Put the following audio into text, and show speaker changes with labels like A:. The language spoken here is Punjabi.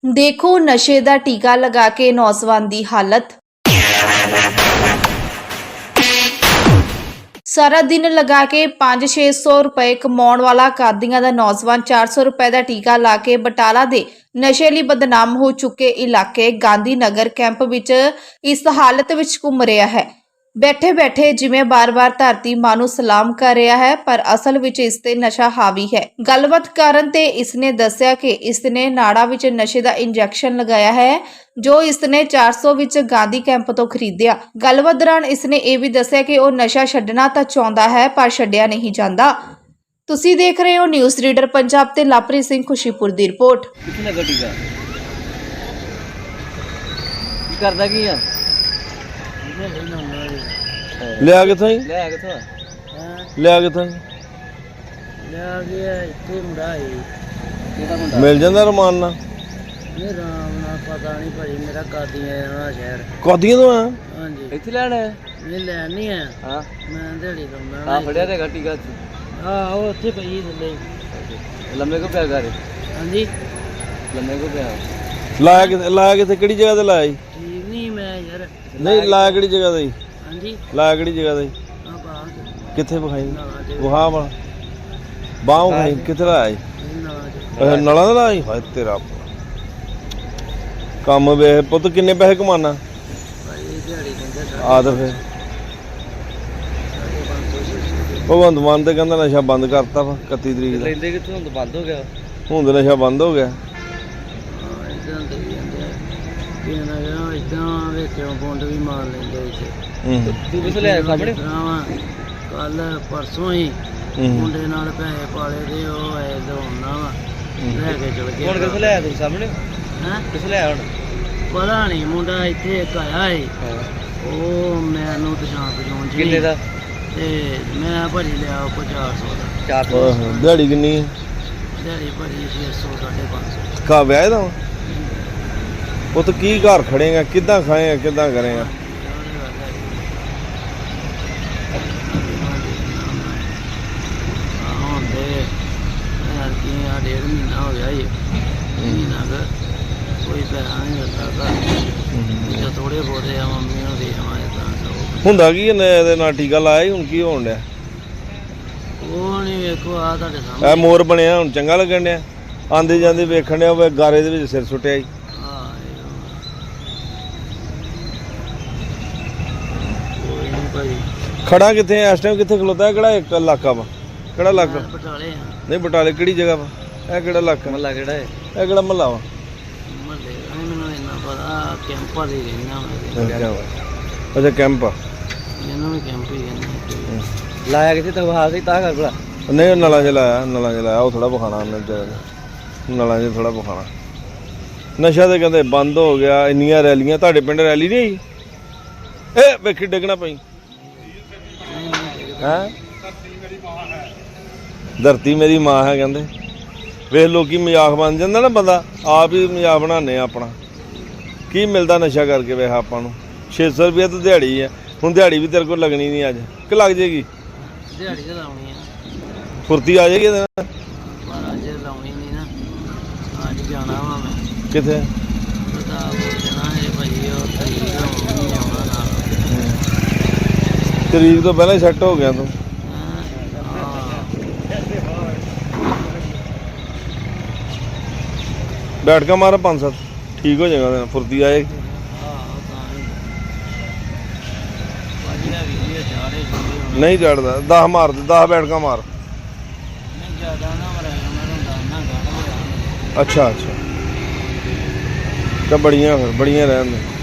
A: ਦੇਖੋ ਨਸ਼ੇ ਦਾ ਟੀਕਾ ਲਗਾ ਕੇ ਨੌਜਵਾਨ ਦੀ ਹਾਲਤ। ਸਾਰਾ ਦਿਨ ਲਗਾ ਕੇ 500-600 ਰੁਪਏ ਕਮਾਉਣ ਵਾਲਾ ਕਾਦੀਆਂ ਦਾ ਨੌਜਵਾਨ 400 ਰੁਪਏ ਦਾ ਟੀਕਾ ਲਾ ਕੇ ਬਟਾਲਾ ਦੇ ਨਸ਼ੇ ਲਈ ਬਦਨਾਮ ਹੋ ਚੁੱਕੇ ਇਲਾਕੇ ਗਾਂਧੀ ਨਗਰ ਕੈਂਪ ਵਿੱਚ ਇਸ ਹਾਲਤ ਵਿੱਚ ਘੁੰਮ ਰਿਹਾ ਹੈ। ਬੈਠੇ ਬੈਠੇ ਜਿਵੇਂ ਬਾਰ-ਬਾਰ ਧਰਤੀ ਮਾਂ ਨੂੰ ਸਲਾਮ ਕਰ ਰਿਹਾ ਹੈ, ਪਰ ਅਸਲ ਵਿੱਚ ਇਸ ਤੇ ਨਸ਼ਾ ਹਾਵੀ ਹੈ। ਗੱਲਬਾਤ ਕਰਨ ਤੇ ਇਸਨੇ ਦੱਸਿਆ ਕਿ ਇਸਨੇ ਨਾੜਾ ਵਿੱਚ ਨਸ਼ੇ ਦਾ ਇੰਜੈਕਸ਼ਨ ਲਗਾਇਆ ਹੈ, ਜੋ ਇਸਨੇ 400 ਵਿੱਚ ਗਾਂਧੀ ਕੈਂਪ ਤੋਂ ਖਰੀਦਿਆ। ਗੱਲਬਾਤ ਦੌਰਾਨ ਇਸਨੇ ਇਹ ਵੀ ਦੱਸਿਆ ਕਿ ਉਹ ਨਸ਼ਾ ਛੱਡਣਾ ਤਾਂ ਚਾਹੁੰਦਾ ਹੈ, ਪਰ ਛੱਡਿਆ ਨਹੀਂ ਜਾਂਦਾ। ਤੁਸੀਂ ਦੇਖ ਰਹੇ ਹੋ ਨਿਊਜ਼ ਰੀਡਰ ਪੰਜਾਬ ਤੇ ਲਵਪ੍ਰੀਤ ਸਿੰਘ ਖੁਸ਼ੀਪੁਰ ਦੀ ਰਿਪੋਰਟ।
B: ਕਿੱਥੇ ਲੱਗਾ ਟੀਕਾ? ਕੀ ਕਰਦਾ ਕੀ ਆ?
C: ਲਿਆ ਕਿੱਥੋਂ ਹੀ
B: ਲੈ ਕਿੱਥੋਂ?
C: ਲਿਆ ਕਿੱਥੋਂ
B: ਲਿਆ ਗਿਆ ਇੱਥੇ ਮੁੰਡਾ ਹੈ। ਕਿਹਦਾ ਮੁੰਡਾ?
C: ਮਿਲ ਜਾਂਦਾ ਰਮਾਨ ਨਾਲ।
B: ਇਹ ਰਾਮ ਨਾਲ ਪਤਾ ਨਹੀਂ ਭਾਜੀ, ਮੇਰਾ ਕਾਦੀਆਂ ਦਾ ਸ਼ਹਿਰ।
C: ਕਾਦੀਆਂ ਤੋਂ ਆ?
B: ਹਾਂਜੀ। ਇੱਥੇ ਲੈਣਾ ਹੈ? ਇਹ ਲੈਣ ਨਹੀਂ ਆ। ਹਾਂ ਮੈਂ ਦਿਹਾੜੀ ਲਾਉਂਦਾ। ਆ ਫੜਿਆ ਤੇ ਟੀਕਾ। ਆਹ ਉਹ ਉੱਥੇ ਪਈ ਥੱਲੇ। ਲੰਮੇ ਕੋ ਪਿਆ ਘਰੇ? ਹਾਂਜੀ ਲੰਮੇ ਕੋ ਪਿਆ।
C: ਲਾਇਆ ਕਿੱਥੇ ਕਿਹੜੀ ਜਗ੍ਹਾ ਤੇ ਲਾਇਆ ਜੀ?
B: ਠੀਕ ਨਹੀਂ ਮੈਂ ਯਾਰ।
C: ਨਹੀਂ ਲਾਇਆ ਕਿਹੜੀ ਜਗ੍ਹਾ ਤੇ ਜੀ?
B: ਹਾਂਜੀ
C: ਲਾਇਆ ਕਿਹੜੀ ਜਗ੍ਹਾ ਤੇ?
B: ਆ ਬਾਹਰ
C: ਕਿੱਥੇ ਵਿਖਾਈ?
B: ਨਾਲਾ
C: ਵਹਾ ਵਾਲਾ ਬਾਹ ਵਿਖਾਈ ਕਿੱਥੇ ਲਾਇਆ ਜੀ?
B: ਨਾਲਾ
C: ਨਲਾਂ ਦਾ ਲਾਇਆ ਜੀ? ਹਾਏ ਤੇਰਾ ਕੰਮ ਵੇਖ ਪੁੱਤ, ਕਿੰਨੇ ਪੈਸੇ ਕਮਾਨਾ?
B: ਭਾਜੀ ਦਿਹਾੜੀ ਦਿੰਦੇ
C: ਆ ਤਾਂ ਫਿਰ ਭਗਵੰਤ ਮਾਨ ਤੇ ਕਹਿੰਦਾ ਨਸ਼ਾ ਬੰਦ ਕਰਤਾ ਵਾ 31 ਤਰੀਕ ਦਾ।
B: ਲੈਂਦੇ ਕਿੱਥੋਂ? ਹੁਣ ਬੰਦ ਹੋ ਗਿਆ।
C: ਹੁਣ ਤਾਂ ਨਸ਼ਾ ਬੰਦ ਹੋ ਗਿਆ।
B: ਇਦਾਂ ਕਰੀ ਜਾਂਦੇ ਆ ਕਿਹਨਾਂ ਇਦਾਂ ਵਿੱਚੋਂ ਬੁੰਡ ਵੀ ਮਾਰ ਲੈਂਦੇ ਇੱਥੇ। ਤੂੰ ਕਿਸ ਲਿਆ ਸਾਹਮਣੇ? ਕੱਲ ਪਰਸੋਂ ਹੀ ਮੁੰਡੇ ਨਾਲ ਪੈਸੇ ਪਾਲੇ ਤੇ ਉਹ ਐ ਦਵਾਉਣਾ ਵਾ ਲੈ ਕੇ ਚਲ ਗਿਆ। ਹੁਣ ਕਿਸ ਲਿਆ ਤੂੰ ਸਾਹਮਣੇ? ਹੈਂ ਕਿਸ ਲਿਆ ਹੁਣ? ਪਤਾ ਨਹੀਂ, ਮੁੰਡਾ ਇੱਥੇ ਇੱਕ ਆਇਆ ਏ, ਉਹ ਮੈਨੂੰ ਪਛਾਣ ਕਿੰਨੇ ਦਾ ਤੇ ਮੈਂ ਭਾਜੀ ਲਿਆ 400 ਦਾ। 400
C: ਦਿਹਾੜੀ ਕਿੰਨੀ ਹੈ?
B: ਦਿਹਾੜੀ ਭਾਜੀ 600 550।
C: ਕਾ ਵਿਆਹ ਦਾ ਉਹ ਤਾਂ ਕੀ ਘਰ ਖੜੇਗਾ, ਕਿੱਦਾਂ ਖਾਏਗਾ, ਕਿੱਦਾਂ ਕਰੇਗਾ?
B: ਹੁਣ ਤੇ ਡੇਢ ਮਹੀਨਾ ਹੋ ਗਿਆ ਜੀ, ਮਹੀਨਾ ਕੁ ਕੋਈ ਪੈਸਾ ਨਹੀਂ ਦਿੱਤਾ ਘਰ। ਥੋੜੇ ਬਹੁਤੇ ਆ ਮੰਮੀ ਨੂੰ ਦੇ ਆਵਾਂ ਤਾਂ
C: ਹੁੰਦਾ ਕੀ ਇਹਦੇ ਨਾਲ ਟੀਕਾ ਲਾਇਆ ਹੁਣ ਕੀ ਹੋਣ ਡਿਆ?
B: ਉਹ ਨਹੀਂ ਵੇਖੋ ਆ ਤੁਹਾਡੇ ਸਾਹਮਣੇ
C: ਇਹ ਮੋਰ ਬਣਿਆ ਹੁਣ ਚੰਗਾ ਲੱਗਣ ਡਿਆ? ਆਂਦੇ ਜਾਂਦੇ ਵੇਖਣ ਡਿਆ ਉਹ ਗਾਰੇ ਦੇ ਵਿੱਚ ਸਿਰ ਸੁੱਟਿਆ ਜੀ। ਖੜਾ ਕਿੱਥੇ ਇਸ ਟਾਈਮ? ਕਿੱਥੇ ਖਲੋਤਾ? ਕਿਹੜਾ ਇੱਕ ਇਲਾਕਾ ਵਾ? ਕਿਹੜਾ ਇਲਾਕਾ?
B: ਬਟਾਲੇ ਆ।
C: ਨਹੀਂ ਬਟਾਲੇ ਕਿਹੜੀ ਜਗ੍ਹਾ ਵਾ? ਇਹ ਕਿਹੜਾ ਇਲਾਕਾ?
B: ਮਹੱਲਾ ਕਿਹੜਾ ਹੈ?
C: ਇਹ ਕਿਹੜਾ ਮਹੱਲਾ ਵਾ?
B: ਮਹੱਲੇ ਮੈਨੂੰ ਇੰਨਾ ਪਤਾ, ਕੈਂਪਾਂ ਦੇ ਰਹਿਣਾ।
C: ਅੱਛਾ ਕੈਂਪ ਆ।
B: ਇਹਨੂੰ ਵੀ ਕੈਂਪ ਹੀ ਕਹਿੰਦੇ। ਲਾਇਆ ਕਿੱਥੇ ਤੱਕ ਹਾਲ ਸੀ ਤਾਂ ਕਰ ਭਲਾ?
C: ਨਹੀਂ ਨਲਾਂ 'ਚ ਲਾਇਆ, ਨਲਾਂ 'ਚ ਲਾਇਆ। ਉਹ ਥੋੜਾ ਵਿਖਾਣਾ ਉਹਨੇ ਨਲਾਂ 'ਚ ਥੋੜਾ ਵਿਖਾਣਾ। ਨਸ਼ਾ ਤੇ ਕਹਿੰਦੇ ਬੰਦ ਹੋ ਗਿਆ। ਇੰਨੀਆਂ ਰੈਲੀਆਂ ਤੁਹਾਡੇ ਪਿੰਡ ਰੈਲੀ ਨਹੀਂ ਆਈ? ਇਹ ਵੇਖੀ ਡਿੱਗਣਾ ਪਈ ਹੈ। ਧਰਤੀ ਮੇਰੀ ਮਾਂ ਹੈ ਕਹਿੰਦੇ। ਵੇਖ ਲੋਕੀ ਮਜ਼ਾਕ ਬਣ ਜਾਂਦਾ ਨਾ, ਬੰਦਾ ਆਪ ਹੀ ਮਜ਼ਾਕ ਬਣਾਉਂਦੇ ਆ ਆਪਣਾ। ਕੀ ਮਿਲਦਾ ਨਸ਼ਾ ਕਰਕੇ? ਵੇਖ ਆਪਾਂ ਨੂੰ 600 ਰੁਪਏ ਤਾਂ ਦਿਹਾੜੀ ਹੈ। ਹੁਣ ਦਿਹਾੜੀ ਵੀ ਤੇਰੇ ਕੋਲ ਲੱਗਣੀ ਨਹੀਂ ਅੱਜ ਕਿ ਲੱਗ ਜਾਏਗੀ?
B: ਦਿਹਾੜੀ ਤਾਂ ਲਾਉਣੀ ਆ,
C: ਫੁਰਤੀ ਆ ਜਾਏਗੀ ਇਹਦੇ ਨਾਲ।
B: ਪਰ ਅੱਜ ਲਾਉਣੀ ਨਹੀਂ ਨਾ, ਅੱਜ ਜਾਣਾ ਵਾ ਮੈਂ।
C: ਕਿੱਥੇ?
B: ਪਤਾ ਪੁੱਛਣਾ ਹੈ ਭਾਈ, ਉਹ ਤਰੀਕ ਨਹੀਂ ਆਉਣਾ ਨਾਲ।
C: ਤਰੀਕ ਤੋਂ ਪਹਿਲਾਂ ਹੀ ਸੈੱਟ ਹੋ ਗਿਆ ਤੂੰ। ਬੈਠ ਕੇ ਮਾਰ 5-7 ਠੀਕ ਹੋ ਜਾਏਗਾ, ਫੁਰਤੀ ਆਏਗੀ। ਨਹੀਂ ਚੜਦਾ 10 ਮਾਰ ਦੇ, 10 ਬੈਠ ਕੇ ਮਾਰ। ਅੱਛਾ ਅੱਛਾ ਤਾਂ ਬੜੀਆਂ ਫਿਰ ਬੜੀਆਂ ਰਹਿਣ ਦੇ।